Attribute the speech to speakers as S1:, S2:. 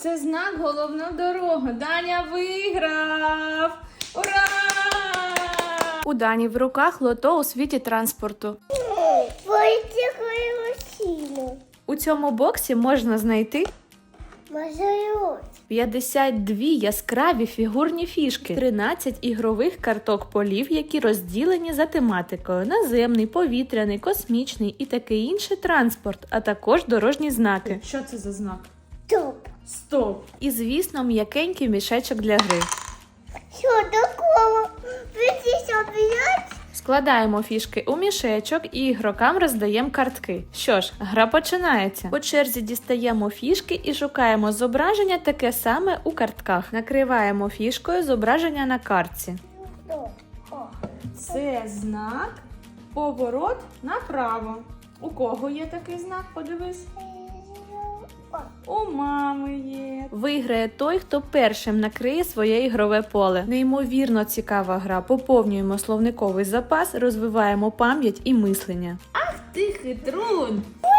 S1: Це знак головна дорога. Даня виграв! Ура! У Дані в руках лото у світі транспорту. У цьому боксі можна знайти 52 яскраві фігурні фішки, 13 ігрових карток полів, які розділені за тематикою: наземний, повітряний, космічний і такий інший транспорт, а також дорожні знаки. Що це за знак?
S2: Стоп.
S1: Стоп! І, звісно, м'якенький мішечок для гри.
S2: Що такого? Опять?
S1: Складаємо фішки у мішечок і ігрокам роздаємо картки. Що ж, гра починається. По черзі дістаємо фішки і шукаємо зображення таке саме у картках. Накриваємо фішкою зображення на картці. Це знак поворот направо. У кого є такий знак? Подивись. У мами є. Виграє той, хто першим накриє своє ігрове поле. Неймовірно цікава гра. Поповнюємо словниковий запас, розвиваємо пам'ять і мислення. Ах ти хитрун!